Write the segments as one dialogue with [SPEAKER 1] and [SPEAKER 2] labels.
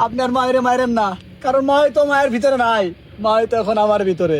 [SPEAKER 1] আপনার মায়ের মায়ের না, কারণ মা তো মায়ের ভিতরে নাই, মা তো এখন আমার ভিতরে।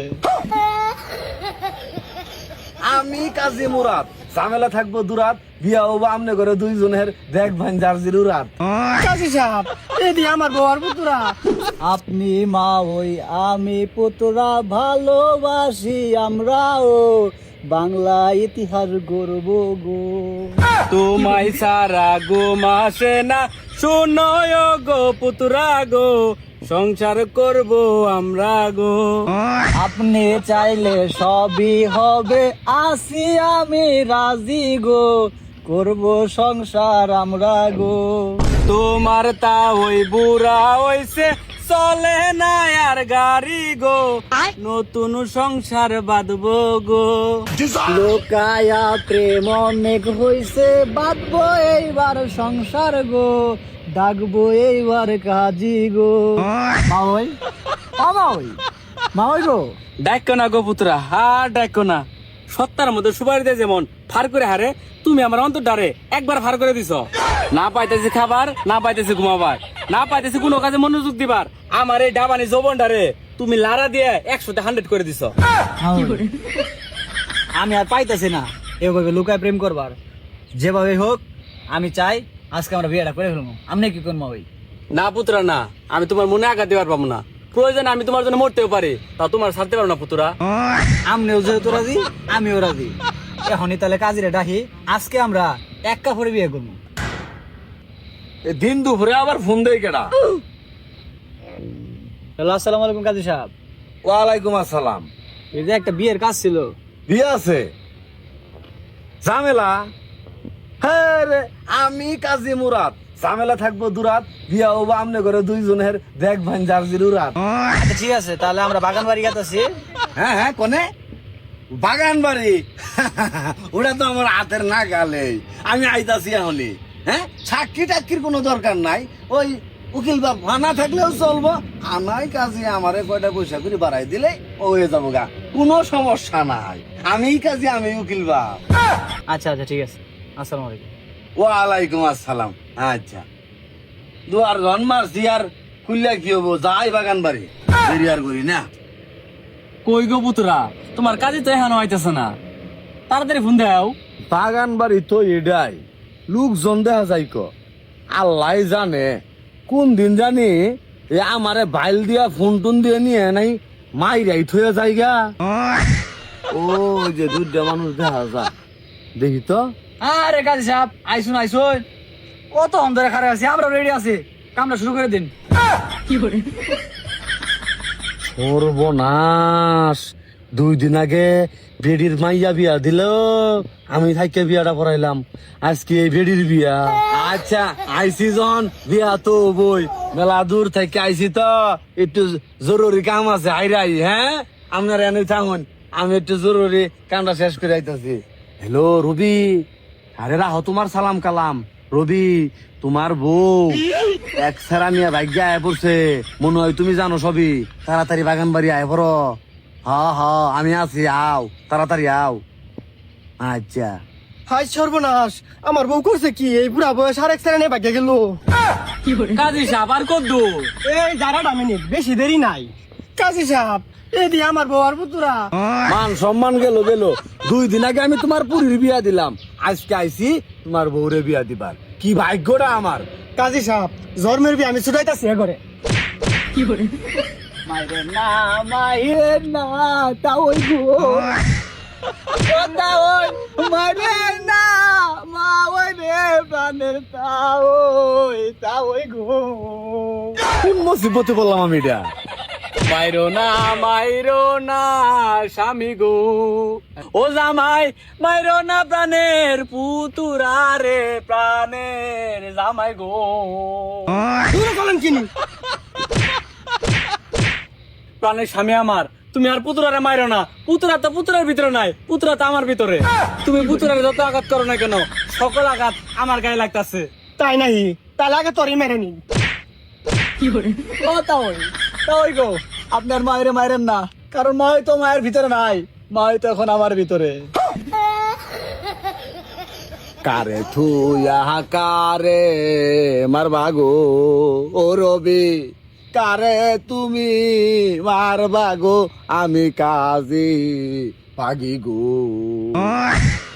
[SPEAKER 2] আমি কাজী মুরাদ, ঝামেলা থাকবো দুরাত, বিয়া হবো আমনে করে দুইজনের, দেখবেন জার্জির উরাত।
[SPEAKER 3] কাজী সাহেব এদি আমার বউ আর পুতুরা।
[SPEAKER 1] আপনি মা ওই আমি পুতরা, ভালোবাসি আমরাও, বাংলা ইতিহাস গর্ব গো।
[SPEAKER 4] তোমায় সারা গো মাসে না, শুনয় গো পুতুরা গো, সংসার করব আমরা গো।
[SPEAKER 1] আপনি চাইলে সবই হবে, আসি আমি রাজি গো, করব সংসার আমরা গো।
[SPEAKER 4] তোমার তা ওই বুড়া হইছে, চলে না আর গাড়ি গো, নতুন সংসার বাঁধবো গো।
[SPEAKER 1] লোকায়া প্রেম অনেক হইছে, বাঁধবো এইবার সংসার গো, ডাকবো এইবার কাজী গো। মা ওই মা ওই মা ওই গো।
[SPEAKER 4] ডাকো না গো পুতুরা, হার ডাকো না। সত্তার মধ্যে সুপারি দেয় যেমন ফার করে হারে, তুমি আমার অন্তর ডারে একবার ফার করে দিছ। না পাইতেছি খাবার, না পাইতেছি ঘুমাবার, না পাইতেছি কোনো কাজে মনোযোগ দিবার, আমার এই ডাবানি যৌবন ডারে তুমি লারা দিয়ে 100-100 করে দিছ।
[SPEAKER 1] আমি আর পাইতেছি না এভাবে লুকায় প্রেম করবার। যেভাবে হোক আমি চাই আজকে আমরা বিয়েটা করে ফেলবো। আপনি কি করবো ওই?
[SPEAKER 4] না পুতুরা না, আমি তোমার মনে আঘাত দিবার পাবো না। প্রয়োজনে আমি তোমার জন্য মরতেও পারি, তা তোমার ছাড়তে পারবো না পুতুরা।
[SPEAKER 1] আমনেও যেহেতু রাজি, আমিও রাজি। এখনই তাহলে কাজীরে ডাকি, আজকে আমরা এক কাপড়ে বিয়ে করবো।
[SPEAKER 2] দিন দুপুরে আবার ফোন দেয় কেডা?
[SPEAKER 1] হ্যালো, আসসালামু আলাইকুম কাজী সাহেব।
[SPEAKER 2] ওয়ালাইকুম আসসালাম।
[SPEAKER 1] এই যে একটা বিয়ের কাজ ছিল।
[SPEAKER 2] বিয়ে আছে? ঝামেলা? হ্যাঁ রে, আমি কাজী মুরাদ, ঝামেলা থাকবো দুরাত, বিয়া হবো আমনে করে দুইজনের, দেখবেন জার্জির উরাত।
[SPEAKER 1] আচ্ছা ঠিক আছে, তাহলে আমরা বাগান বাড়ি গেতেছি।
[SPEAKER 2] হ্যাঁ হ্যাঁ, কোনে? বাগান বাড়ি? ওটা তো আমার হাতের না গালে, আমি আইতাছি এখনই। হ্যাঁ, সাক্ষী টাক্ষীর কোনো দরকার নাই, ওই উকিল বাপ না থাকলেও চলবো। আমায় কাজে আমারে কয়টা পয়সা করে বাড়াই দিলে ও হয়ে যাবো গা, কোনো সমস্যা নাই। আমি কাজে আমি উকিল বাপ।
[SPEAKER 1] আচ্ছা আচ্ছা ঠিক আছে, আসসালামু আলাইকুম।
[SPEAKER 2] ওয়ালাইকুম আসসালাম। আচ্ছা, দুয়ার ঘন মারছি আর খুললে কি হবো, যাই বাগান বাড়ি, দেরি আর করি না।
[SPEAKER 4] কই গো পুতুরা, তোমার কাজে তো এখানে হইতেছে না, তাড়াতাড়ি ফোন দাও।
[SPEAKER 2] বাগান বাড়ি তো এডাই, লোকজন দেখা যাই ক, আল্লাহ জানে কোন দিন জানি এ আমারে বাইল দিয়া ফোন টোন দিয়ে নিয়ে নাই মাইরাই থয়ে যাইগা। ও যে দুইটা মানুষ দেখা যা, দেখি তো।
[SPEAKER 1] আরে কাজী সাহেব, আইসুন আইসুন, কত অন্ধরে খারাপ আছি, আমরা রেডি আছি, কামটা শুরু করে দিন।
[SPEAKER 2] সর্বনাশ, 2 দিন আগে বেডির মাইয়া বিয়া দিল, আমি থাইকে বিয়াটা পড়াইলাম, আজকে এই বেডির বিয়া। আচ্ছা আইসি যখন বিয়া তো বই, মেলা দূর থেকে আইসি তো একটু জরুরি কাম আছে, আইরাই। হ্যাঁ, আপনার এনে থাকুন, আমি একটু জরুরি কামটা শেষ করে আইতাছি। হ্যালো রবি, আরে রাহো, তোমার সালাম কালাম। রবি, তোমার বউ এক সেরা নিয়ে ভাগ্য আয় পড়ছে, মনে হয় তুমি জানো সবই। তাড়াতাড়ি বাগান বাড়ি আয় পড়ো। হ্যাঁ আমি আছি, আও তাড়াতাড়ি আও। আচ্ছা।
[SPEAKER 3] হাই সর্বনাশ, আমার বউ করছে কি? এই বুড়া বয়স আর এক সেরেনে ভাগ্য গেল।
[SPEAKER 4] কাজী সাহেব আর কত দূর?
[SPEAKER 3] এই দাঁড়াটা মিনিট, বেশি দেরি নাই। কাজী সাহেব এদি আমার বউ আর পুতুরা।
[SPEAKER 2] মান সম্মান গেল গেল, 2 দিন আগে আমি তোমার পুরীর বিয়া দিলাম, আজকে আইছি তোমার বউরে বিয়া দিবার। কি ভাগ্যটা আমার।
[SPEAKER 3] কাজী সাহেব জন্মের বি আমি ছুটাইতাছি ঘরে।
[SPEAKER 1] মাইরে না মাইরে না, তা ওই গো, ও তা ওই, মাইরে না মা ওই রে প্রাণের, তা ওই গো।
[SPEAKER 2] কোন মুসিবতে বললাম আমি এটা?
[SPEAKER 4] মাইরো না স্বামী গো, ও জামাই মাইরো না প্রাণের পুতুরা রে, প্রাণের জামাই গো।
[SPEAKER 3] বলেন কিনি
[SPEAKER 4] প্রাণের স্বামী আমার, তুমি আর পুতুরারে মাইরো না। পুতুরা তো পুতুরার ভিতরে নাই, পুতুরা তো আমার ভিতরে। তুমি পুতুরারে যত আঘাত করো না কেন, সকল আঘাত আমার গায়ে লাগতাছে।
[SPEAKER 3] তাই নাই, তাহলে আগে তরি মেরে নি।
[SPEAKER 1] ও তা ওই গো, আপনার মায়ের মায়ের না, কারণ মা তো মায়ের ভিতরে নাই, মা তো এখন আমার ভিতরে।
[SPEAKER 2] কারে থুয়া কারে মারবা গো ও রবি, কারে তুমি মারবা গো, আমি কাজী পাগি গো।